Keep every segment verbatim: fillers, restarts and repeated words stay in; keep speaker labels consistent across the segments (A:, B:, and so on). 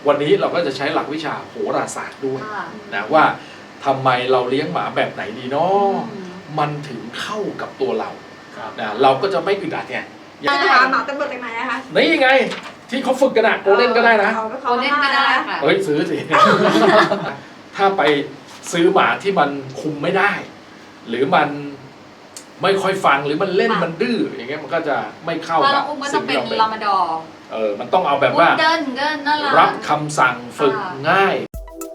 A: วันนี้เราก็จะใช้หลักวิชาโหราศาสตร์ด้วยนะว่าทำไมเราเลี้ยงหมาแบบไหนดีเนาะมันถึงเข้ากับตัวเรานะเราก็จะไม่อึดอัดไง
B: จะหาหมาตำรวจจากไหนนะคะ
A: นี่ไงที่เขาฝึกกันอะโกลเด้นก็ได้นะ
B: โกลเด้นก็ได้ค่ะ
A: เฮ้ยซื้อสิ ถ้าไปซื้อหมาที่มันคุมไม่ได้หรือมันไม่ค่อยฟังหรือมันเล่นมันดื้ออย่างเงี้ยมันก็จะไม่เข้ากับ
C: สิ่งที่เราเป็นลามาดอร์
A: เออมันต้องเอาแบบว่ารับคำสั่งฝึกง่าย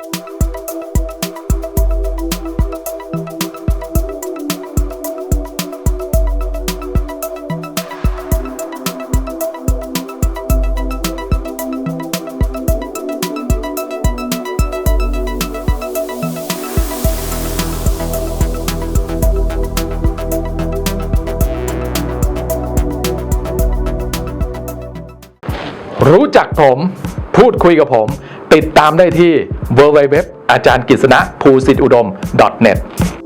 A: รู้จักผมพูดคุยกับผมติดตามได้ที่ ดับเบิลยู ดับเบิลยู ดับเบิลยู ดอท อาจารย์กฤษณะ ภูสิทธิอุดม ดอท เน็ต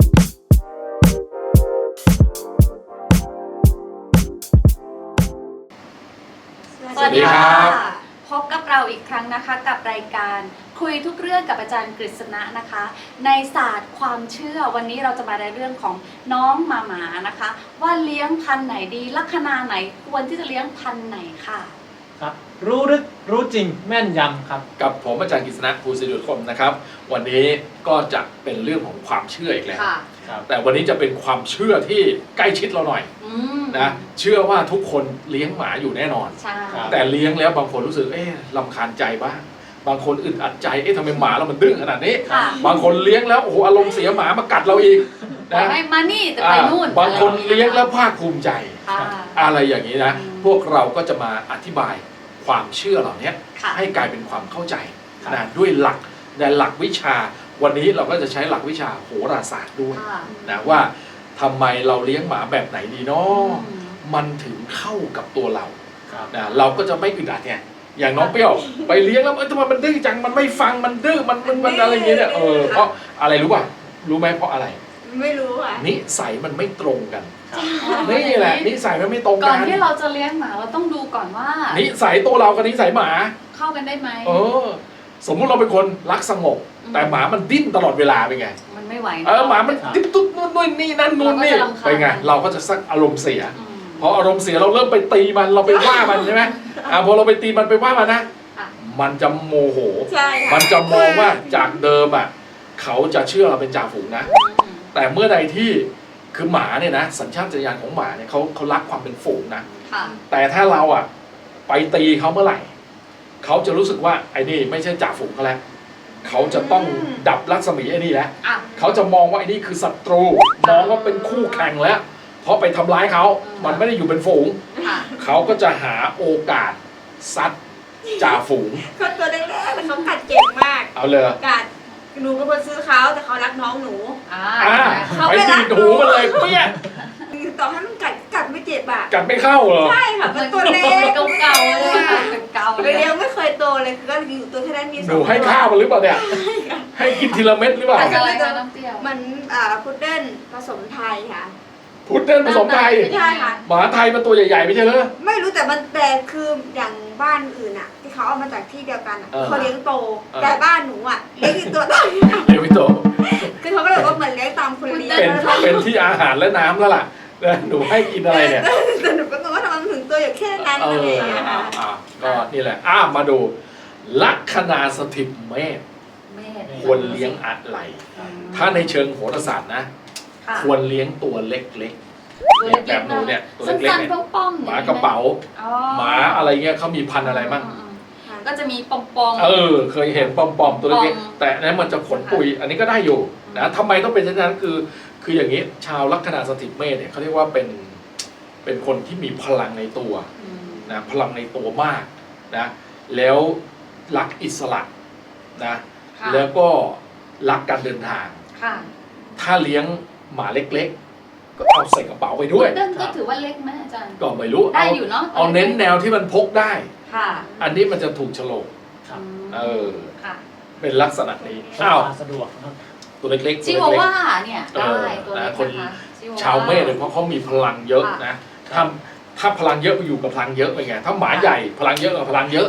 C: สวัสดีครับพบกับเราอีกครั้งนะคะกับรายการคุยทุกเรื่องกับอาจารย์กฤษณะนะคะในศาสตร์ความเชื่อวันนี้เราจะมาในเรื่องของน้องหมาหมานะคะว่าเลี้ยงพันธุ์ไหนดีลัคนาไหนควรที่จะเลี้ยงพันธุ์ไหนค่ะ
D: ครับรู้ลึกรู้จริงแม่นยำครับ
A: กับผมอาจารย์กฤษณะ ภูสิทธิอุดมนะครับวันนี้ก็จะเป็นเรื่องของความเชื่ออีกแล้วแต่วันนี้จะเป็นความเชื่อที่ใกล้ชิดเราหน่อยนะเชื่อว่าทุกคนเลี้ยงหมาอยู่แน่นอนแต่เลี้ยงแล้วบางคนรู้สึกเอ๊ะรำคาญใจบ้างบางคนอึดอัดใจเอ๊ะทำไมหมาเรามันดื้อขนาดนี้บางคนเลี้ยงแล้วโอ้โหอารมณ์เสียหมามากัดเราอีก
C: นะให้มานี่แต่ไปนู่น
A: บางคนเลี้ยงแล้วภาคภูมิใจอะไรอย่างนี้นะพวกเราก็จะมาอธิบายความเชื่อเหล่านี้ให้กลายเป็นความเข้าใจนะด้วยหลักในหลักวิชาวันนี้เราก็จะใช้หลักวิชาโหราศาสตร์ด้วยนะว่าทำไมเราเลี้ยงหมาแบบไหนดีเนาะมันถึงเข้ากับตัวเรานะเราก็จะไม่อึดอัดไงอย่างน้องเปรี้ยวไปเลี้ยงแล้วเอ้ยทำไมมันดื้อจังมันไม่ฟังมันดื้อมันมันมันอะไรอย่างเงี้ยเออเพราะอะไรรู้ป่ะรู้ไหมเพราะอะไร
B: ไม่รู้อ่ะ
A: นิสัยมันไม่ตรงกันนี่แหละนิสัยมันไม่ตรงกัน
C: ก่อนที่เราจะเลี้ยงหมาเราต้องดูก่อนว่า
A: นิสัยตัวเรากับนิสัยหมา
C: เข้ากันได้ไหม
A: เออสมมุติเราเป็นคนรักสงบแต่หมามันดิ้นตลอดเวลาเป็นไง
C: มันไม่ไหว
A: เออหมามันดิ้นตุ๊ดนู่นนู่นนี่นั่นนู่นนี่เป็นไงเราก็จะสักอารมณ์เสียพออารมณ์เสียเราเริ่มไปตีมันเราไปว่ามันใช่ไหมอ่าพอเราไปตีมันไปว่ามันนะมันจะโมโหมันจะมองว่าจากเดิมอ่ะเขาจะเชื่อเราเป็นจ่าฝูงนะแต่เมื่อใดที่คือหมาเนี่ยนะสัญชาตญาณของหมาเนี่ยเขาเขารักความเป็นฝูงนะแต่ถ้าเราอ่ะไปตีเขาเมื่อไหร่เขาจะรู้สึกว่าไอ้นี่ไม่ใช่จ่าฝูงเขาแล้วเขาจะต้องดับรัศมีไอ้นี่แล้วเขาจะมองว่าไอ้นี่คือศัตรูมองว่าเป็นคู่แข่งแล้วเพราะไปทำร้ายเขามันไม่ได้อยู่เป็นฝูงเขาก็จะหาโอกาสซัดจ่าฝูง
B: เขาตัวแรกๆแต่เขากัดเก่งมาก
A: เอาเลย
B: กัดหนูเป็นคนซื้อเขาแต่เขารักน้องหนู
A: เขาไปตีหูมันเลยเปี้ย
B: ต่อให้มันกัดกัดไม่เจ็บอ่ะ
A: กัดไม่เข้าเหรอ
B: ใช่ค่ะเป็นตัวเล็ก
C: เก่าๆเลยเก่า
B: เลยเลี้ยงไม่เคยโตเลยคือก็อยู่ตัวแค่นั้นมี
A: หนูให้ข้าวมันหรือเปล่าเนี่ยให้กินทีละเม็ดหรือเปล่า
B: มันอ่าพุดเดิ้ลผสมไทยค่ะ
A: พุดเดิ้ลผสมไทย
B: ใช่ค่ะ
A: หมาไทยมันตัวใหญ่ๆไม่ใช่เหรอ
B: ไม่รู้แต่มันแต่คืออย่างบ้านอื่นอ่ะที่เขาเอามาจากที่เดียวกันเขาเลี้ยงโตแต่บ้านหนูอ่ะเลี้ยงตัวโต
A: เลี้ยงไม่โต
B: คือเขาก็เลยว่าเหมือนเลี้ยงตามคนเลี้ยง
A: เป็นที่อาหารและน้ำแล้วล่ะหนูให้กินอะไรเนี่ย
B: แต่หนูก็งงว่าทำไมถึงตัวอยู่แค่นั้นอะไรอย่างเงี้ยค่ะ
A: ก็นี่แหละอ้ามาดูลัคนาสถิตเมษควรเลี้ยงอะไรถ้าในเชิงโหราศาสตร์นะควรเลี้ยงตัวเล็กๆแบบหนูเนี่ยตัวเล็กๆเนี่ยหมากระเป๋าหมาอะไรเงี้ยเขามีพันธุ์อะไรบ้าง
C: ก็จะมีปอมปอม
A: เออเคยเห็นปอมปอมตัวเล็กๆแต่นั้นมันจะขนปุยอันนี้ก็ได้อยู่นะทำไมต้องเป็นเช่นนั้นคือคืออย่างนี้ชาวลัคนาสถิตเมษเนี่ยเขาเรียกว่าเป็นเป็นคนที่มีพลังในตัวนะพลังในตัวมากนะแล้วรักอิสระนะแล้วก็รักการเดินทางถ้าเลี้ยงหมาเล็กๆก็เอาใส่กระเป๋าไปด้วย
C: ก็ถือว่าเล็กไหมอาจารย์
A: ก็ไม่รู้
C: ได้อยู่เนาะ
A: เอาเน้นแนวที่มันพกได้อันนี้มันจะถูกโฉลกเออเป็นลักษณะนี้อ้าว
D: สะดวก
A: ตัวเล็ก
C: ๆชิวาว่าเนี่ยได้ตัวเล็ก
A: คนชาวเมษเลยเพราะเขามีพลังเยอะนะถ้าถ้าพลังเยอะไปอยู่กับพลังเยอะไปไงถ้าหมาใหญ่พลังเยอะกับพลังเยอะ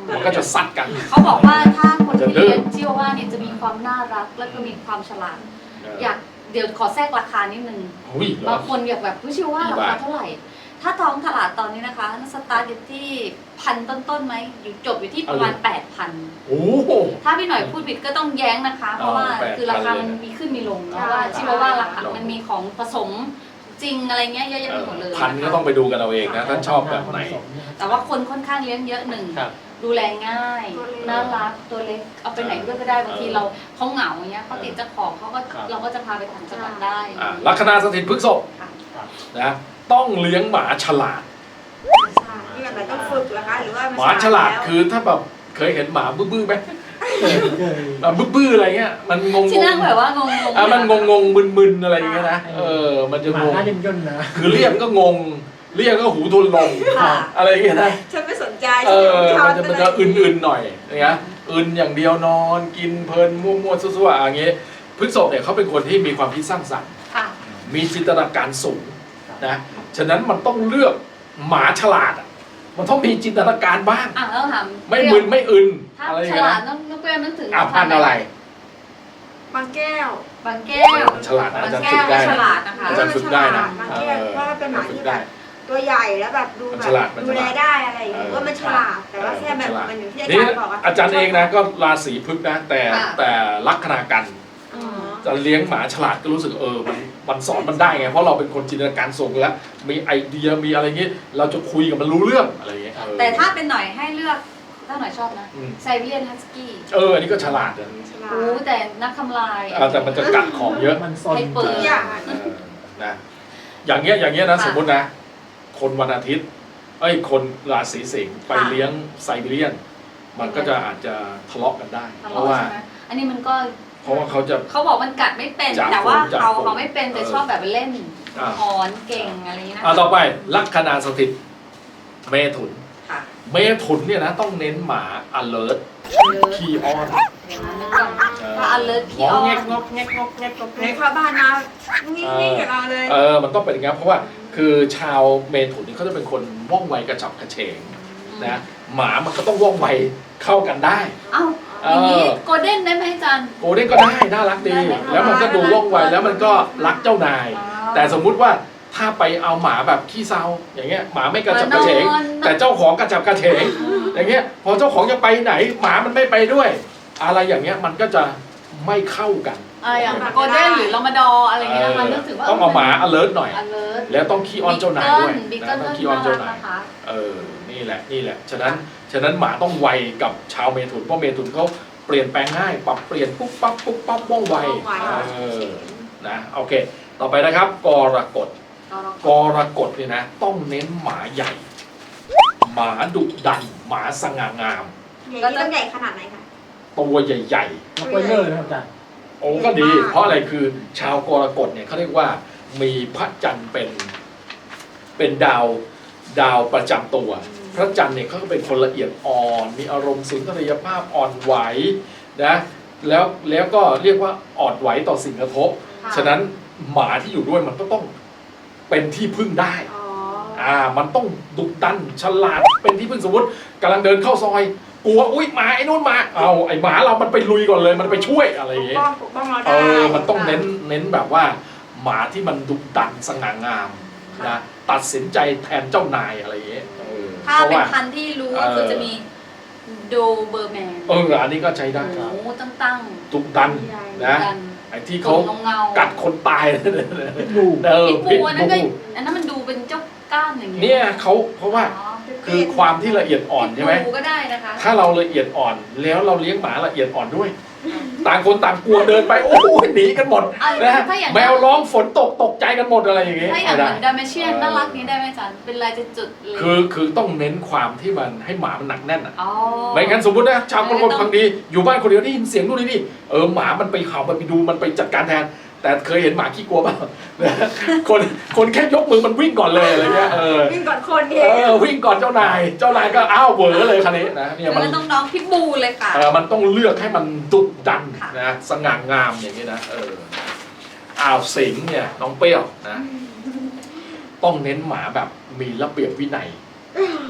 A: มันก็จะซัดกัน
C: เขาบอกว่าถ้าคนที่
A: จะดื้อ
C: เลี้ยงชิวาว่าเนี่ยจะมีความน่ารักและก็มีความฉลาด อยากเดี๋ยวขอแทรกราคานิดนึง
A: อุ้ยเหร
C: บา
A: อง
C: คนอยากแบบผู้ชิวาราคาเท่าไหร่ ถ้าท้องตลาดตอนนี้นะคะสตาร์ทอยู่ที่พันต้นๆไหมอยู่จบอยู่ที่ประมาณแปดพัน
A: โอ้โห
C: ถ้าพี่หน่อยพูดผิดก็ต้องแย้งนะคะ เพราะว่า
A: แปดพัน
C: คือราคามันมีขึ้นมีลงเนาะว่าชิวาว่าราคา
A: ลอง
C: มันมีของผสมจริงอะไรเงี้ยเยอะแยะไปหมดเลย
A: พันก็ต้องไปดูกันเอาเองนะท่านชอบแบบไหน
C: แต่ว่าคนค่อนข้างเลี้ยงเยอะหนึ่ง
D: ครับ
C: ดูแลง่ายน่ารักตัวเล็กเอาไปไหนด้วยก็ได้บางทีเราเขาเหงาอย่างเงี้ยเขาติดเจ้าของเขาก็
D: ครับ
C: เราก็จะพาไปต่างจังหวัดได้
A: อ่ะลัคนาสถิตพฤษภ
C: ค่ะ
A: นะต้องเลี้ยงหมาฉลาด
B: ใช่ที่แบบต้องฝึกเหรอคะหรือว่ามัน
A: หมาฉลาด
B: แล้ว
A: คือถ้าแบบเคยเห็นหมาบื้อๆไหม
D: เคยเคย
A: แบบบื้อๆอะไรเงี้ยมันงง
C: ที่นั่งแบบว่างงๆ
A: อ่ะมันงงงๆมึนๆอะไรอย่างเงี้ยนะเออมันจะ
D: หมาง
A: ง
D: หน้าย่นย่นๆนะ
A: คือเรียกก็งงเรียกก็หูทุนลง
B: ค่ะ
A: อะไรอย่างเงี้ยนะ
B: ฉันไม่สนใจ
A: เอ
B: ฉัน
A: อ
B: ไม่ชอบ
A: มันจะมันจะอื่นๆหน่อยอย่างเงี้ยอื่นอย่างเดียวนอนกินเพลินมั่วๆซั่วๆอย่างเงี้ยพฤษภเนี่ยเขาเป็นคนที่มีความคิดสร้างสรรค์
C: ค่ะ
A: มีจินตนาการสูงนะฉะนั้นมันต้องเลือกหมาฉลาดอ่ะมันต้องมีจินตนาการบ้าง
C: อ่ะแล้วถาม
A: ไม่มึนไม่อึน
C: ถ้า
A: อะไรอ
C: ฉ
A: ย่างเงี้ย
C: ลาด
A: นะ
C: ต้องต้องเปรี้ยวนึกถึง
A: อ่ะพันธุ์อะไร
B: บางแก้ว
C: บางแก้ว
A: ฉลาดนะ
C: บา
A: อาง จารย์
C: แก้
A: ฝึ
C: ว
A: กได้
C: ฉ
A: นะ
C: ลาดนะคะ
A: อาจารย์ฝึกได้นะ
B: บางแก้วเพราะว่าเป็นหมาที่แบบตัวใหญ่แล้วแบบดูแบ
A: มันฉลาด
B: บ
A: มัน
B: ดู
A: ฉ
B: แล
A: ลาด
B: ได้อะไรอย่างเงี้ย
A: เออ
B: ว่ามันฉลาดแต่ว่าแค่แบบ
A: ฉลาด
B: มันอยู่ที่อา
A: นี่
B: จารย์บอกอะ
A: อาจารย์เองนะก็ราศีพฤกษ์นะแต่
C: ค่ะ
A: แต่ลัคนากัน
B: อ๋อ
A: จะเลี้ยงหมาฉลาดก็รู้สึกเออมันมันสอนมันได้ไงเพราะเราเป็นคนจินตนาการสูงแล้วมีไอเดียมีอะไรเงี้ยเราจะคุยกับมันรู้เรื่องอะไรเงี้ยเออ
C: แต่ถ้าเป็นหน่อยให้เลือกถ้าหน่อยชอบนะ
A: อืม
C: ไซบีเรียนฮัสกี้
A: เอออันนี้ก็ฉลาดนะ
B: ฉลา
C: โอ้
B: ด
C: แต่นักทำลาย
A: อ่าแต่มันจะกัดของเยอะ
D: มันซน
C: ให้เปิด
B: ทุกอย่าง
A: เออนะอย่างเงี้ยอย่างเงี้ยนะ
C: ค่ะ
A: สมมตินะ คนวันอาทิตย์เอ้ยคนราศีสิงห์ไป
C: ค่ะ
A: เลี้ยงไซบีเรียน มันก็จะอาจจะทะเลาะกันได้
C: ทะ
A: เพราะ
C: เลาะ
A: ว่า
C: ใช่ไหมอันนี้มันก็
A: เพราะว่าเขาจะ
C: เขาบอกมันกัดไม่เป็น
A: จับ
C: แต่ว่า
A: จับ
C: เขา
A: ผม
C: เขาไม่เป็นแต่
A: เออ
C: ชอบแบบเล่น
A: อ่า
C: อ่อนเก่งอะไรอย่างนี้นะ
A: อ่าต่อไปลัคนาสถิตเมถุน
C: ค่ะ
A: เมถุนเนี่ยนะต้องเน้นหมา alert ขี้อ้อน
C: เดี๋ยวนะนึกก่อนถ้า alert
A: ง
C: พี่
A: อ
C: อ้อ
A: แง
C: น
A: กงอกแงกงอกแงกงอก
B: ห
A: แง
B: นู
A: ก
B: เข้าบ้านมานิ่งๆกับเราเลย
A: เออมันต้องเป็นอย่างนั้นเพราะว่าคือชาวเมถุนนี่เขาจะเป็นคนว่องไวกระฉับกระเฉงนะหมามันก็ต้องว่องไวเข้ากันได้
C: เอ้า
A: เอ
C: อย่างนี้
A: อ
C: โกลเด้นได้ไหมอาจารย์
A: โกลเด้นก็ได้น่ารักดี
C: ได้ไหม
A: แล้วมันก็ดูว่องไวแล้วมันก็รักเจ้านาย
C: อ๋อ
A: แต่สมมุติว่าถ้าไปเอาหมาแบบขี้เซาอย่างเงี้ยหมาไม่กระฉับกระเฉง
C: มานอน
A: แต่เจ้าของกระฉับกระเฉง อย่างเงี้ยพอเจ้าของจะไปไหนหมามันไม่ไปด้วย อะไรอย่างเงี้ยมันก็จะไม่เข้ากัน
C: อะไรอย่างโกลเด้นหรือลามาดอร์อะไรอย่างเงี้ยนะคะนึกถึงว่า
A: ต้องเอาหมา alert หน่อย
C: alert
A: แล้วต้องขี้อ้อนเจ้านายด้วย
C: บิ๊ก
A: นะ
C: เกิล
A: ต้อง
C: ก็
A: ขี้อ้อน
C: น่า
A: เจ้า
C: รัก
A: นาย
C: นะคะ
A: เออนี่แหละนี่แหละฉะนั้นฉะนั้นหมาต้องไวกับชาวเมถุนเพราะเมถุนเขาเปลี่ยนแปลงง่ายปรับเปลี่ยนปุ๊บปั๊บปุ๊บปั๊บว่องไว
B: ว่องไว
A: เออนะโอเค ต่อไปนะครับกรกฎกรกฎเนี่ยนะ ต้องเน้นหมาใหญ่ หมาดุดัน หมาสง่างาม
B: ใหญ่นี่ต้องใหญ่ขนาดไหนคะ
A: ตัวใหญ่
D: แล้วก็เยอะนะครับอาจารย์
A: ๆ โอ้ก็ดี เพราะอะไรคือชาวกรกฎเนี่ยเขาเรียกว่ามีพระจันทร์เป็นเป็นดาวดาวประจำตัว พระจันทร์เนี่ยเขาก็เป็นคนละเอียดอ่อน มีอารมณ์สุนทรียภาพอ่อนไหวนะแล้วแล้วก็เรียกว่าอ่อนไหวต่อสิ่งกระทบ
B: ค่ะ
A: ฉะนั้นหมาที่อยู่ด้วยมันก็ต้องเป็นที่พึ่งได้
B: อ๋อ
A: อ่า มันต้องดุดันฉลาดเป็นที่พึ่งสมมติกำลังเดินเข้าซอยกลัวอุ้ยหมาไอ้นู่นมาเอาไอ้หมาเรามันไปลุยก่อนเลยมันไปช่วยอะไรอย่างเงี้ย
B: ปกป้องปกป้องเรา
A: เอ
B: ได้
A: อมันต้องเน้นเน้นแบบว่า หมาที่มันดุดันสง่างามนะตัดสินใจแทนเจ้านายอะไรอย่างเงี้ยเออ
C: ถ้า
A: เพราะ
C: เป็น
A: ว่า
C: พันธุ์ที่รู้ก็คือจะมีโดเบอร์แมน
A: เอออันนี้ก็ใช้ได้
C: โอ้ตั้งตั้ง
A: ดุดันนะ
C: ดัน
A: ไอ้ที่
C: ข
A: เขา
C: นเงาๆ
A: กัดคนตาย
D: พิษบู
A: เออ
C: พิษบูอันนั้นก็
A: พิษบู
C: อันนั้นมันดูเป็นเจ้าก้านอย่างเงี้
A: เนี่ยเขาเพราะว่า
C: อ๋อ
A: คือความที่ละเอียดอ่อนใช่ไหม
C: พิษบูก็ได้นะคะ
A: ถ้าเราละเอียดอ่อนแล้วเราเลี้ยงหมาละเอียดอ่อนด้วย ต่างคนต่างกลัวเดินไปโอ้โหหนีกันหมด
C: เอา
A: นะฮะ
C: ถ้าอย่าง
A: แมวร้องฝนตกตกใจกันหมดอะไรอย่างเงี้ย
C: ถ้าอย่าง
A: ไม่
C: เห
A: ได้
C: มือนดาเมเชียนน่ารักนี้ได้ไหมอาจารย์เป็นลายจุดๆเลย
A: คือคือต้องเน้นความที่มันให้หมามันหนักแน่นอ่ะ
C: อ๋อ
A: ไม่งั้นสมมตินะชาวคน
C: ไม่ต้อง
A: บางทีอยู่บ้านคนเดียวได้ยินเสียงนู่นนี่นี่เออหมามันไปเห่ามันไปดูมันไปจัดการแทน แต่เคยเห็นหมาขี้กลัวเปล่า คนคนแค่ยกมือมันวิ่งก่อนเลยอะไรเงี้ยเออ
B: วิ่งก่อนคนเอ
A: เอง อวิ่งก่อนเจ้านาย เจ้านายก็อ้าวเหวอเลยคันนี้นะเนี่ยมัน
C: แล้วน้องๆพิษบูเลยค่ะ
A: เออมันต้องเลือกให้มันดุดัน
C: ค่ะ
A: นะสง่างามอย่างนี้นะเอออ้าวสิงห์เนี่ยน้องเปรี้ยวนะต้องเน้นหมาแบบมีระเบียบวินัย
C: ยัง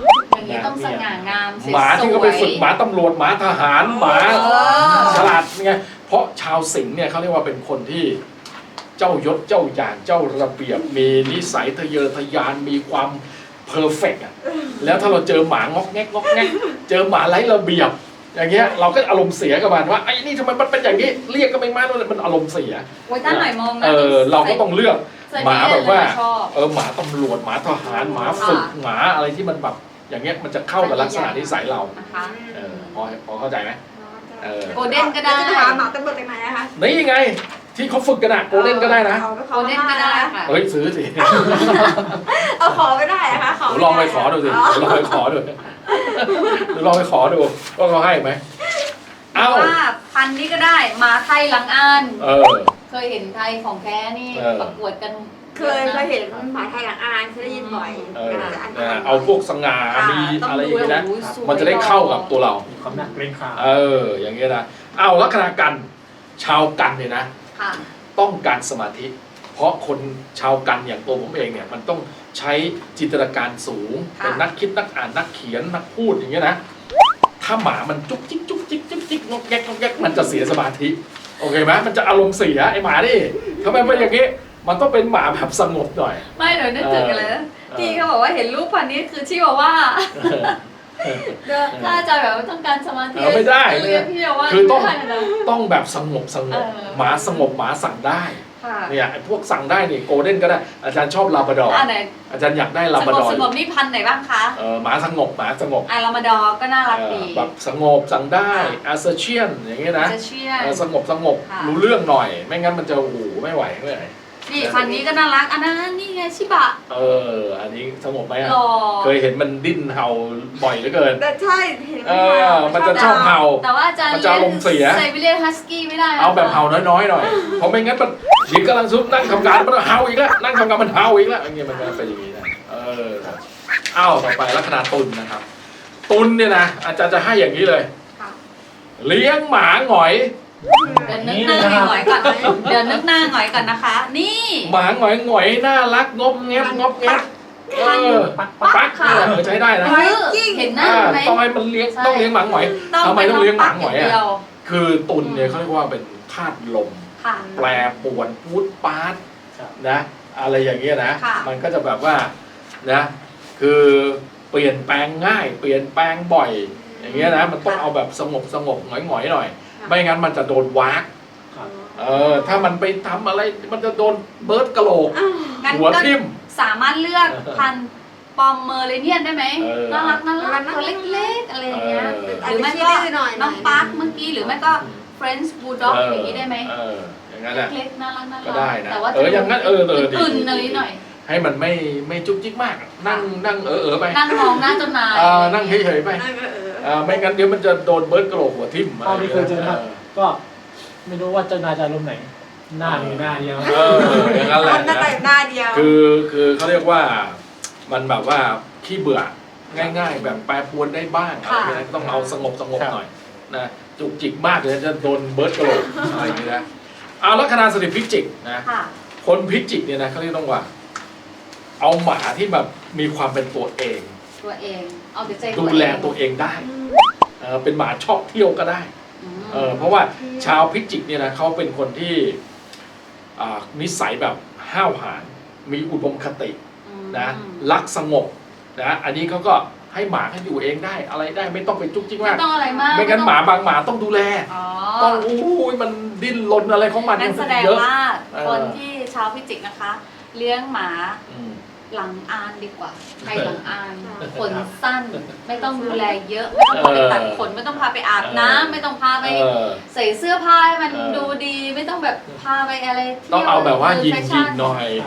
C: อย่างนี้ต้องสง่างามสวยๆ
A: หมาที่เขาไปฝึกหมาตำรวจหมาทหารหมา
C: เออ
A: ฉลาดไงเพราะชาวสิงห์เนี่ยเขาเรียกว่าเป็นคนที่เจ้ายศเจ้าอย่างเจ้าระเบียบมีนิสัยทะเยอทะยานมีความเพอร์เฟกต์อ่ะแล้วถ้าเราเจอหมางอกแงกงอกแงกเจอหมาไร้ระเบียบอย่างเงี้ยเราก็อารมณ์เสียกับมันว่าไอ้นี่ทำไมมันเป็นอย่างนี้เรียกก็ไม่มาแล้วมันอารมณ์เสีย
C: โอ้ยถ้าหน่อยมองนะ
A: เออเราก็ต้องเลือก
C: ใส่
A: หมาแบบว่า
C: ชอบ
A: เออหมาตำรวจหมาทหารหมาฝึกหมาอะไรที่มันแบบอย่างเงี้ยมันจะเข้ากับลักษณะนิสัยเรา
C: นะคะ
A: เออพอพอเข้าใจไหม เออ
C: โกลเด้นก็ได้
B: จะหาหมาตำรวจไปไหนนะคะ
A: นี่ไงที่เขาฝึกกันอะโกลเด้นก็ได้นะ
B: เอาไปข
C: โก
B: อ
C: ลเด้นก็ได้ค่ะ
A: เฮ้ยซื้อสิ
B: เอาขอไม่ได้นะคะขอม่
A: ลองไปขอดูสิลองไปขอดูลองไปขอดูว่าเขาให้ไหมเอ้า
C: ว่าพันธุ์นี้ก็ได้หมาไทยหลังอ่าน
A: เออ
C: เคยเห็นไทยของแท้นี่
A: เออ
C: ประกวดกัน
B: เคยเคยเห็นหมาไทยหลังอานเคยได้ยินบ่อย
A: เออ
B: แต่อัน
A: นะเอาพวกสง่ามีอะไรอย่างเงี้ยนะ
C: ต้ดูแล้วโอ้โหสวย
A: มันจะได้เข้ากับตัวเรา
D: มีความน่าเกรงขาม
A: เออ อย่างเงี้ยนะ เอาลัคนากันชาวกันเนี่ยนะ
C: ค่ะ
A: ต้องการสมาธิ เพราะคนชาวกันอย่างตัวผมเองเนี่ยมันต้องใช้จินตนาการสูง
C: ค่ะ
A: เป็นนักคิดนักอ่านนักเขียนนักพูดอย่างเงี้ยนะ ถ้าหมามันจุกจิกจุกจิกจุกจิกงอกแงกงอกแงกมันจะเสียสมาธิ โอเคไหมมันจะอารมณ์เสียไอหมาดิทำไมเป็นอย่างงี้ มันต้องเป็นหมาแบบสงบหน่อย
C: ไม่เดี๋ยวนึกถึงกันเลยนะพี่เขาบอกว่าเห็นรูปพันธุ์นี้คือชิวาว่าเดี๋ยวถ้าอาจารย์แบบว่าต้องการสมาธิ
A: เออไม่ได้
C: เรียกพี่ว่า
A: คือต้อง
C: ไม่ได้นะ
A: ต้องแบบสงบสงบ
C: เออ
A: หมาสงบหมาสั่งได้
C: ค่ะ
A: เนี่ยไอ้พวกสั่งได้นี่โกลเด้นก็ได้ อาจารย์ชอบลาบราดอร์
C: อ่าไหน
A: อาจารย์อยากได้ลา
C: ส
A: บราง ด
C: บ
A: อร์
C: สงบนี่พันธุ์ไหนบ้างคะ
A: เออหมาสงบหมาสงบ
C: อารามาดอร์ก็น่ารักดี
A: เออแบบสงบสั่งได้อาเซเชียนอย่างเงี้ยนะ
C: จะเชื่อ
A: เออสงบสงบ
C: ค่ะ
A: รู้เรื่องหน่อย ไม่งั้นมันจะโอ้โหไม่ไหวไม่ไหว
C: นี่พันธุ์นี้ก็น่ารักอันนั้นนี่ไงชิบะ
A: เออ อันนี้สงบไหมอะ
C: หล่อ
A: เคยเห็นมันดิ้นเห่าบ่อยเหลือเกิน
B: แต่ใช่เห็น
A: เออมันจะชอบเห่า
C: แต่ว่าอาจารย์
A: มันจะอารมณ์เสีย
C: ไซบีเรียนฮัสกี้ไม่ได้นะ
A: เอาแบบเห่าน้อยๆหน่อย เพราะไม่งั้นมันหญิงกำลังซุบนั่งทำการมันเห่าอีกแล้วนั่งทำการมันเห่าอีกแล้วอย่างเงี้ยมันก็เป็นอย่างนี้นะเอออ้าวต่อไปลัคนาตุลนะครับ ตุลเนี่ยนะอาจารย์จะให้อย่างนี้เลย
C: ค่ะ
A: เลี้ยงหมาหงอย
C: เดี๋ยวนึกหน้าหงอยก่อนเดี๋ยวนึกหน้าหงอยก่อนนะคะ นี่
A: หมาหงอยหงอยน่ารักงบเงียบงบเงียบเออ
D: ปัก
A: ปักเนี่ยเออใช้ได้นะ
C: เออเห็นหน้า
A: อ่า
C: ไหม
A: ต้องให้มันเลี้ยงต้องเลี้ยงหมาหงอยทำไมต้องเลี้ยงหมาหงอย
C: เดี
A: อ่ะ
C: ว
A: คือตุลเนี่ยเขาเรียกว่าเป็นธาตุลม
C: ค่ะ
A: แปรปรวนพูดปาด
D: ครับ
A: นะอะไรอย่างเงี้ยนะ
C: ค่ะ
A: มันก็จะแบบว่านะคือเปลี่ยนแปลงง่าย เปลี่ยนแปลงบ่อย อย่างเงี้ยนะมันต้องเอาแบบสงบสงบหงอยหงอยๆหน่อย ไม่งั้นมันจะโดนวาก
D: ครับ
A: เออถ้ามันไปทำอะไรมันจะโดนเบิร์ดกะโหลก
C: งั้น
A: หัว
C: ก็
A: ทิ่ม
C: สามารถเลือกพันธุ์ปอมเมอร์เรเนียนได้ไหม
A: เออ
C: น่ารักน่ารักตัวเล็กๆอะไรอย่างเงี้ย
A: เออ
C: หรือไม่ก็น้องปาร์คเมื่อกี้หรือไม่ก็ French Bulldog อย่างนี้ได้ไหม
A: เอออย่างนั้นแหละ
C: เล็กๆน่ารักน่ารั
A: ก็ได้นะ
C: แต่ว่า
A: เอออย่างนั้นเออเออดี
C: อื่นๆอะไรหน่อย
A: ให้มันไม่ไม่จุกจิกมาก นั่งนั่งเออเออไป
C: นั่งมองหน้าเจ้านาย
A: เออนั่งเฉยๆไป
B: นั่นก็เออ
A: เออไม่งั้นเดี๋ยวมันจะโดนเบิร์ดกระโหลกหัวทิ่ม
D: เท่าที่เคยเจอนะครับก็ไม่รู้ว่าเจ้านายจะอารมณ์ไหน หน้ามีหน้าเดียว
A: เอออย่างนั้นแหละ
B: หน้า
A: นะ
B: แต่หน้าเดียว
A: คือคือเขาเรียกว่ามันแบบว่าขี้เบื่อง่าย ๆ แบบแปรปรวนได้บ้างอะไรอย่างเงี้ยต้องเอาสงบสงบหน่อยนะจุกจิกมากเลยจะโดนเบิร์ดกระโหลกอะไรอย่างเงี้ยนะเอาลัคนาสถิตพิจิกนะ
C: ค่ะ
A: คนพิจิกเนี่ยนะเขาเรียกต้องว่า เอาหมาที่แบบมีความเป็นตัวเอง
C: ตัวเองเอาแต่ใจ
A: ดูแลตัวเองได้เออเป็นหมาชอบเที่ยวก็ได้
C: อืม
A: เออเพราะว่าชาวพิจิกเนี่ยนะเขาเป็นคนที่อ่านิสัยแบบห้าวหาญมีอุดมคตินะรักสงบนะอันนี้เขาก็ให้หมาเขาอยู่เองได้อะไรได้ไม่ต้องไปจุกจิก
C: ไม่
A: มาก
C: ต้องอะไรมาก
A: ไม่งั้นหมาบางหมาต้องดูแล
C: อ๋อ
A: ต้องอู้ยมันดิ้นรนอะไรของมัน
C: นั่นแสดง
A: เยอะ
C: ว่า
A: เออ
C: คนที่ชาวพิจิกนะคะ เลี้ยงหมา
A: อืม
C: หลังอานดีกว่าใครหลังอานขนสั้น ไม่ต้องดูแลเยอะไม่ต้องพาไปตัดขนไม่ต้องพาไปอาบน้ำไม่ต้องพาไป
A: เออ
C: ใส่เสื้อผ้าให้มัน
A: เออ
C: ดูดีไม่ต้องแบบพาไปอะไรที่ยว
A: ต้องเอาแบบว่ายิง
C: แฟ
A: ยิ
C: ชั่
A: งหน่อย
D: ครับ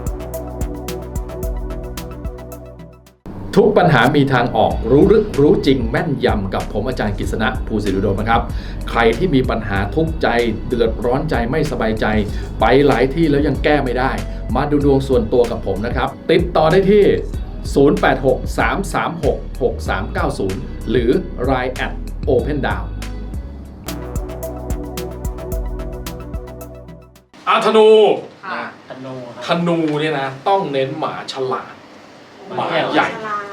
A: ทุกปัญหามีทางออกรู้ลึกรู้จริงแม่นยำกับผมอาจารย์กฤษณะภูสิริโดมนะครับใครที่มีปัญหาทุกข์ใจเดือดร้อนใจไม่สบายใจ ไปหลายที่แล้วยังแก้ไม่ได้ มาดูดวงส่วนตัวกับผมนะครับ ติดต่อได้ที่ ศูนย์ แปด หก สาม สาม หก หก สาม เก้า ศูนย์ หรือ ไลน์ แอท โอเพนดาว อาธนู
C: ค่ะ
D: ธนูค
A: ธ
D: รับ
A: นูเนี่ยนะต้องเน้นหมาฉลาด หมาใหญ่
B: ฉลาด
A: ห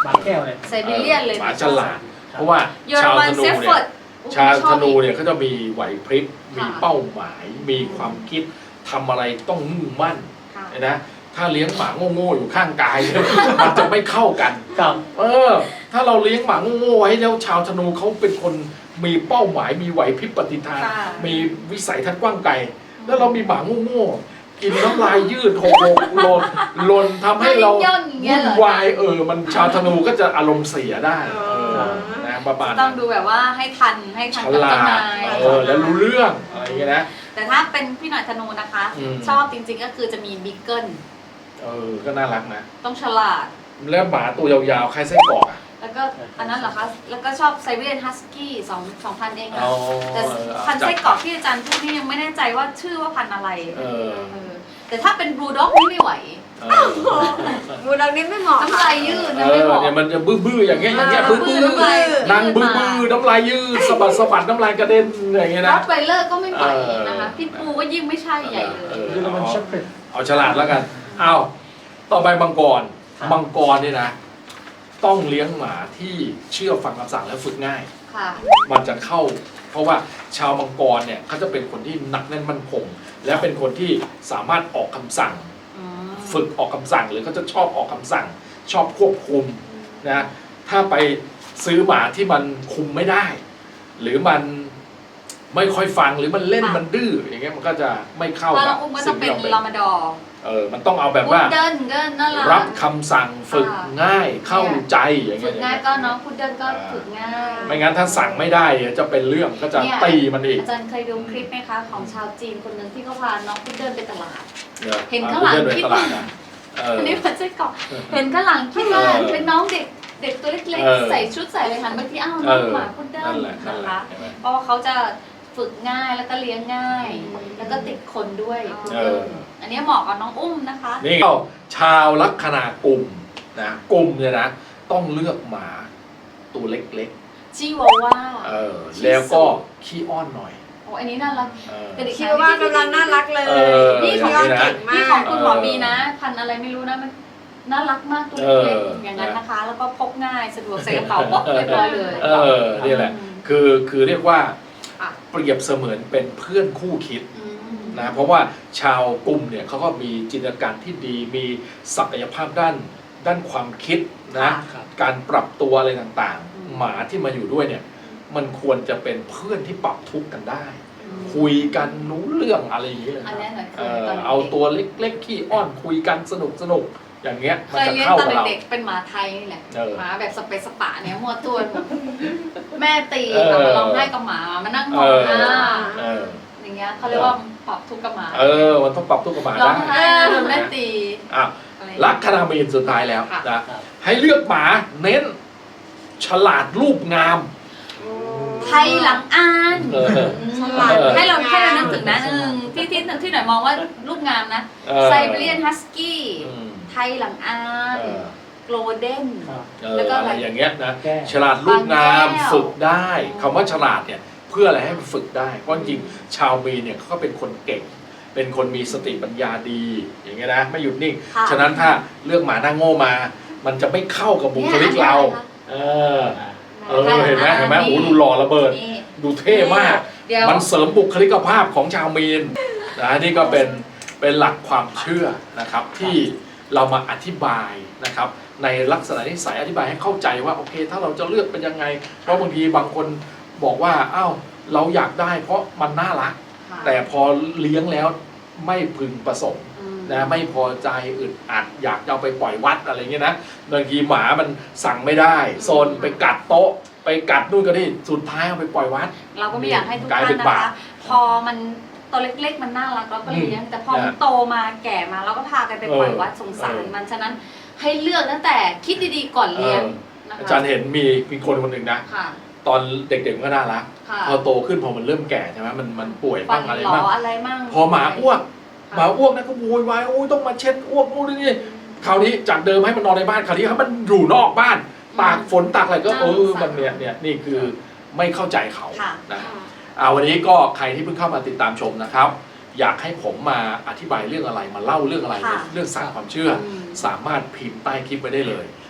D: หมาแก้วเลย
C: ไซบีเรียนเลย
A: หมาฉลาดเพราะว่า
C: เยอร
A: ชาว
C: มัน
A: ธนู
C: เซฟ
A: เนี่
C: เฟิ
A: ย
C: ร์ด
A: ชาวธนูเนี่ยเขาจะมีไหวพริบมีเป้าหมาย มีความคิดทำอะไรต้องมุ่งมั่นนะถ้าเลี้ยงหมาโง่ๆอยู่ข้างกาย มันจะไม่เข้ากัน
D: ครับ
A: เออ ถ้าเราเลี้ยงหมาโง่ๆไว้แล้วชาวธนูเขาเป็นคนมีเป้าหมาย มีไหวพริบปฏิภาณ มีวิสัยทัศน์กว้างไกล แล้วเรามีหมาโง่ๆกินน้ำลายยืดหกหกหล่นหล่นทำให้เราวุ่นวายเออ มันชาวธนูก็จะอารมณ์เสียได้เออนะประมาณ
C: ต้องดูแบบว่าให้ทันให้ทัน
A: ฉ
C: กับ
A: ลา
C: เจ้า
A: ด
C: นาย
A: เออแล้วรู้เรื่องอะไรอย่างเงี้ยนะ
C: แต่ถ้าเป็นพี่หน่อยธนูนะคะ
A: อืม
C: ชอบจริงๆก็คือจะมีบิ๊กเกิล
A: เออก็น่ารักนะ
C: ต้องฉลาด
A: แล้วหมาตัวยาวๆใครไส้กรอกอ่ะ
C: แล้วก็อันนั้นเหรอคะ แล้วก็ชอบไซบีเรียนฮัสกี้สองสองพันเองอะ
A: เอา
C: แต่พันธุ์ไส้กรอกที่อาจารย์พูดนี่ยังไม่แน่ใจว่าชื่อว่าพันธุ์อะไร
A: เออ
C: เออแต่ถ้าเป็นบลูด็อกนี่ไม่ไหว
A: เออ
B: มูดังนี้ไม่เหมาะ
C: น้ำลายยืด
A: เอ
C: นะไม่
A: อ
C: บอก
A: เนี่ยมันจะบื้อๆอย่างเงี้ยอย่างเงี้ยบื้อ
C: น้ำลาย
A: ๆนางบื้อๆน้ำลายยืดสะบัดสะบัดน้ำลายกระเด็นอย่างเงี้ย
C: ร
A: นะ
C: อตไวเลอร์ก็ไม่ไหว
A: เออ
C: นะคะพิทบูก็ยิ่งไม่ใช่ใหญ่เลย
A: เออ
D: เยอรมันเชฟเฟรด
A: เอาฉลาดแล้วกันเอาต่อไปมังกร
D: ครับ
A: มังกรเนี่ยนะ ต้องเลี้ยงหมาที่เชื่อฟังคำสั่งและฝึกง่าย
C: ค่ะ
A: มันจะเข้า เพราะว่าชาวมังกรเนี่ยเขาจะเป็นคนที่หนักแน่นมั่นคง และเป็นคนที่สามารถออกคำสั่ง
C: อืม
A: ฝึกออกคำสั่งหรือเขาจะชอบออกคำสั่ง ชอบควบคุมนะถ้าไปซื้อหมาที่มันคุมไม่ได้ หรือมันไม่ค่อยฟังหรือมันเล่นมันดื้ออย่างเงี้ยมันก็จะไม่เข้า
C: ถ้า
A: กั
C: เรา
A: บ
C: อุ้มก็ต้
A: สิ่
C: อง
A: ง
C: เป็
A: ที่
C: น
A: เราเป็น
C: ลามาดอร์
A: เออมันต้องเอาแบบ
C: พุ
A: ว่า
C: ดเดิ้ลก็น่ารัก
A: รับคำสั่งฝึก
C: อ่า
A: ง่ายเข้าใจอย่าง
C: ฝึ
A: เงี้
C: ก
A: ย
C: ง่ายก็น้องพุดเดิ้ลก็ฝึกง่าย
A: ไม่งั้นถ้าสั่งไม่ได้จะเป็นเรื่องก็จะ
C: เนี่ย
A: ตีมันอีก
C: อาจารย์เคยดูคลิปไหมคะของชาวจีนคนหนึ่งที่เขาพาน้องพุดเดิ้ลไปตลาด
A: ย
C: เห็นข้างหลัง
A: เดินไป
C: คิด
A: ตลาดนะเออ
C: อันนี้มันไส้กรอกเห็นข้างหลังคิดว่า
A: เออ
C: เป็นน้องเด็กเด็กตัวเล็ก
A: เออ
C: ๆใส่ชุดใส่อะไรหันไปที่อ้าว
A: เอ
C: น้อง
A: อ
C: หมาพุดเดิ้
A: นั่
C: ล
A: นแหละนั่น
C: นะ
A: แหละ
C: คะ
A: เห็นไหม
C: เพราะว่าเขาจะฝึกง่ายแล้วก็เลี้ยงง่าย แล้วก็ติดคนด้วยพุดเดิ้ล
A: เออ
C: อันนี้เหมาะกับน้องอุ้มนะคะ
A: นี่ก็ชาวลัคนากลุ่มนะกลุ่มเนี่ยนะต้องเลือกหมาตัวเล็ก
C: ชิวาว่า
A: ๆเออแล้วก็ขี้อ้อนหน่อย
C: โอ้อันนี้น่ารัก
A: เออ
C: เป็นเด็ก
B: คิดว่ากำลังน่ารักเลย
A: เออ
B: นี่ของเราเก่งมา
C: นี่
B: ก
C: ของคุณหมอบีนะ พันธุ์อะไรไม่รู้นะมันน่ารักมากตัวเล็ก
A: เออ
C: ๆอย่างนั้นนะคะ แล้วก็พกง่ายสะดวกใส่กระเป๋าปุ๊บเรียบร้อยเลย
A: เออนี่แหละ
C: อืม
A: คือคือเรียกว่า
C: อ่ะ
A: เปรียบเสมือนเป็นเพื่อนคู่คิด
C: อืม
A: นะเพราะว่าชาวกลุ่มเนี่ยเขาก็มีจินตนาการที่ดีมีศักยภาพด้านด้านความคิดนะ
D: ครับ
A: การปรับตัวอะไรต่าง
C: อืม
A: ๆ หมาที่มาอยู่ด้วยเนี่ยมันควรจะเป็นเพื่อนที่ปรับทุกข์กันได้
C: อืม
A: คุยกันรู้เรื่องอะไรอย่างนี้เลย
C: อันนี้หน่อย
A: เอ
C: คือ
A: อ
C: ตอนเด็ก
A: เอาตัวเล็กๆขี้อ้อนคุยกันสนุกสนุกๆอย่างเงี้ย
C: เค
A: มัน
C: ย
A: จะ
C: เลี้ยง
A: เข้า
C: ตอน
A: กับเรา
C: เด็กๆเป็นหมาไทยนี่แหละ
A: เออ
C: หมาแบบสเปซสปะเนี่ยมัวตัวหมดแม่ตี
A: เออ
C: แบบมาร้องไห้กับหมามานั่งมองหน้า
A: เออ
C: อย่างเงี้ยเขาเรียกว่าปรับทุกข์กับหมา
A: เออมันต้องปรับทุกข์กับหมา
C: ร้อ
A: ได้
C: งไห้โดนแม่ตี
A: อ่ะ
C: อะไร
A: ลัคนามีนสุดท้ายแล้ว
C: ค่ะ
A: นะครับ ให้เลือกหมาเน้น ฉลาดรูปงาม
C: ไทยหลังอ่าน
A: เออ
B: ฉลาด
C: ให้เราให้เรานึกถึงนะหนึ่งที่ที่ที่หน่อยมองว่ารูปงามนะ
A: เออ
C: ไซบีเรียนฮัสกี้
A: อืม
C: ไทยหลังอ่าน
A: เออ
C: โกลเด้น
D: ครับ
A: เออ
C: แล้วก็
A: อะ
C: อะไร
A: ไรอย่างเงี้ยนะ
D: แก้
A: ฉลาดรูปงาม
C: บางแก้ว
A: ฝึกได้คำว่าฉลาดเนี่ยเพื่ออะไรให้มันฝึกได้เพราะจริงๆชาวมีนเนี่ยเขาก็เป็นคนเก่ง เป็นคนมีสติปัญญาดีอย่างเงี้ยนะไม่หยุดนิ่ง
C: ค่ะ
A: ฉะนั้นถ้าเลือกหมาหน้าโง่มา มันจะไม่เข้ากับบุคลิกเรา เออ เออเห็นไหมเห็นไหมโอ้โหดูหล่อระเบิด
C: นี่
A: ดูเท่มาก
C: เดี๋ยว
A: มันเสริมบุคลิกภาพของชาวมีนนะนี่ก็เป็นเป็นหลักความเชื่อนะครับที่เรามาอธิบายนะครับในลักษณะนิสัยอธิบายให้เข้าใจว่าโอเค ถ้าเราจะเลือกเป็นยังไง เพราะบางทีบางคนบอกว่าอ้าวเราอยากได้เพราะมันน่ารัก
C: ค่ะ
A: แต่พอเลี้ยงแล้วไม่พึงประสงค์
C: อืม
A: นะไม่พอใจอึดอัดอยากจะเอาไปปล่อยวัดอะไรเงี้ยนะบางทีหมามันสั่งไม่ได้โซนไปกัดโต๊ะ ไปกัดนู่นก็นี่สุดท้ายเอาไปปล่อยวัด
C: เราก็ไม่อยากให้ทุก
A: กลาย
C: ท่า
A: เป็น น
C: นะ
A: บาป
C: คะ พอมันตัวเล็กๆมันน่ารักเราก็เลี้ยง แต่พอมัน
A: นะ
C: โตมาแก่มาเราก็พากันไปปล่อยวัดสงสาร
A: เออ
C: มันฉะนั้นให้เลือกตั้งแต่คิดดีๆก่อนเลี้ยง
A: เออ
C: นะคะ
A: อาจารย์เห็นมีมีคนคนหนึ่งนะ
C: ค่ะ
A: ตอนเด็กๆมันก็น่ารัก
C: ค่ะ
A: พอโตขึ้นพอมันเริ่มแก่ใช่ไหมมันมันป่วย
C: ฟั
A: บ้าน งอะไร
C: หลอ
A: บ้าง
C: อะไรมั่ง
A: พอหมาอ้วก
C: ค่ะ
A: หมาอ้วกนะก็โวยวายโอ้ยต้องมาเช็ดอ้วกนู่นนี่คราวนี้จากเดิมให้มันนอนในบ้านคราวนี้ให้มันอยู่นอกบ้านตากฝนตากอะไรก็เออมันเนี่ยเนี่ยนี่คือไม่เข้าใจเขา
C: ค่ะ
A: นะอ่าวันนี้ก็ใครที่เพิ่งเข้ามาติดตามชมนะครับ อยากให้ผมมาอธิบายเรื่องอะไรมาเล่าเรื่องอะไร
C: ค่ะ
A: เรื่องศาสตร์ความเชื่อ
C: อืม
A: สามารถพิมพ์ใต้คลิปไว้ได้เลย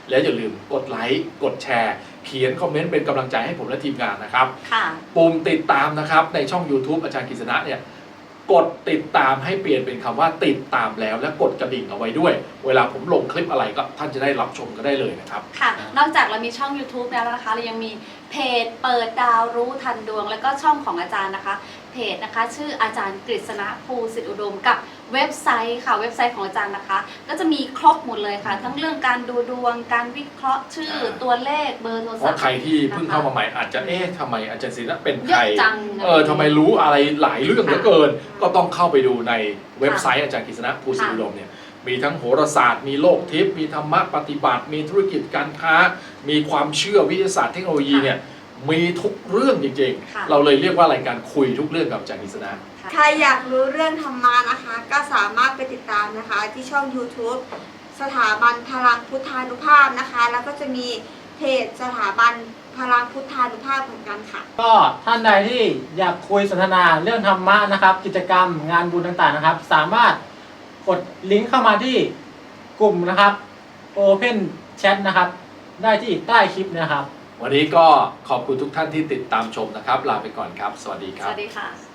A: แล้วอย่าลืมกดไลค์กดแชร์เขียนคอมเมนต์เป็นกำลังใจให้ผมและทีมงานนะครับ
C: ค่ะ
A: ปุ่มติดตามนะครับในช่อง YouTube อาจารย์กฤษณะเนี่ยกดติดตามให้เปลี่ยนเป็นคำว่าติดตามแล้วและกดกระดิ่งเอาไว้ด้วย เวลาผมลงคลิปอะไรก็ท่านจะได้รับชมก็ได้เลยนะครับ
C: ค่ะ นอกจากเรามีช่อง YouTube แล้วนะคะเรายังมีเพจเปิดดาวรู้ทันดวง แล้วก็ช่องของอาจารย์นะคะเพจนะคะชื่ออาจารย์กฤษณะภูสิทธิอุดมกับเว็บไซต์ค่ะเว็บไซต์ของอาจารย์นะคะก็จะมีครบหมดเลยค่ะ ทั้งเรื่องการดูดวงการวิเคราะห์ชื่อตัวเลขเบอร์โทร
A: เพ
C: ศัพ
A: ราะ
C: ท์
A: ใครที่เพิ่งเข้ามาใหม่อาจจะเอ๊ะทำไมอาจารย์ศิลป์เป็น
C: เย
A: ใคร
C: อะจัง
A: เออทำไมรู้อะไรหลายเรื่องเหลือเกิน ก็ต้องเข้าไปดูในเว็บไซต์อาจารย์กฤษณะภูสิทธิอุดมเนี่ยมีทั้งโหราศาสตร์มีโลกทิพย์มีธรรมะปฏิบัติ มีธุรกิจการค้า มีความเชื่อวิทยาศาสตร์เทคโนโลยีเนี่ยมีทุกเรื่องจริง
C: ค่ะ
A: ๆ เราเลยเรียกว่ารายการคุยทุกเรื่องกับอาจารย์กฤษณะ
C: ค่ะ
B: ใครอยากรู้เรื่องธรรมะนะคะ ก็สามารถไปติดตามนะคะ ที่ช่อง YouTube สถาบันพลังพุทธานุภาพนะคะ แล้วก็จะมีเพจสถาบันพลังพุทธานุภาพเหมือนกันค่ะ
D: ก็ท่านใดที่อยากคุยสนทนาเรื่องธรรมะนะครับ กิจกรรมงานบุญต่างๆนะครับ สามารถกดลิงก์เข้ามาที่กลุ่มนะครับ Open Chat นะครับได้ที่ใต้คลิปนะครับ
A: วันนี้ก็ขอบคุณทุกท่านที่ติดตามชมนะครับ ลาไปก่อนครับ สวัสดีค
C: ส
A: รับ
C: วัสดีค่ะ